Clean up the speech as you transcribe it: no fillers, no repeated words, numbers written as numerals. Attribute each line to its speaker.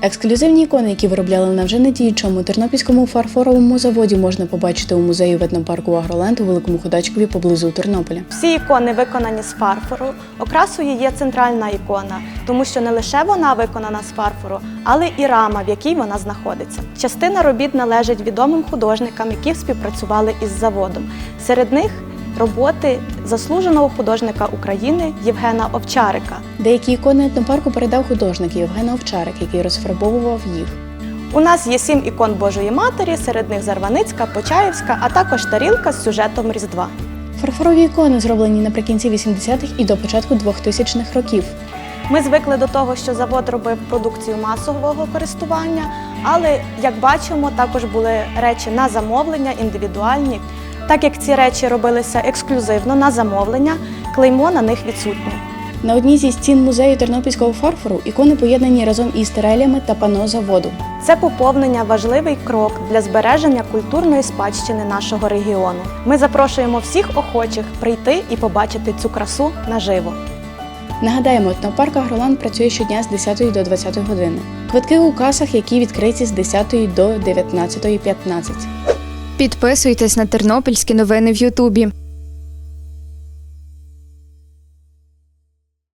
Speaker 1: Ексклюзивні ікони, які виробляли на вже недіючому тернопільському фарфоровому заводі, можна побачити у музеї етнопарку Агроленд у Великому Ходачкові поблизу Тернополя.
Speaker 2: Всі ікони виконані з фарфору. Окрасою є центральна ікона, тому що не лише вона виконана з фарфору, але і рама, в якій вона знаходиться. Частина робіт належить відомим художникам, які співпрацювали із заводом. Серед них роботи заслуженого художника України Євгена Овчарика.
Speaker 1: Деякі ікони етнопарку передав художник Євген Овчарик, який розфарбовував їх.
Speaker 2: У нас є 7 ікон Божої Матері, серед них Зарваницька, Почаївська, а також тарілка з сюжетом Різдва.
Speaker 1: Фарфорові ікони зроблені наприкінці 80-х і до початку 2000-х років.
Speaker 2: Ми звикли до того, що завод робив продукцію масового користування, але, як бачимо, також були речі на замовлення, індивідуальні. Так як ці речі робилися ексклюзивно на замовлення, клеймо на них відсутнє.
Speaker 1: На одній зі стін музею тернопільського фарфору ікони поєднані разом із терелями та пано заводу.
Speaker 2: Це поповнення – важливий крок для збереження культурної спадщини нашого регіону. Ми запрошуємо всіх охочих прийти і побачити цю красу наживо.
Speaker 1: Нагадаємо, етнопарк Агроленд працює щодня з 10 до 20 години. Квитки у касах, які відкриті з 10 до 19:15.
Speaker 3: Підписуйтесь на тернопільські новини в Ютубі.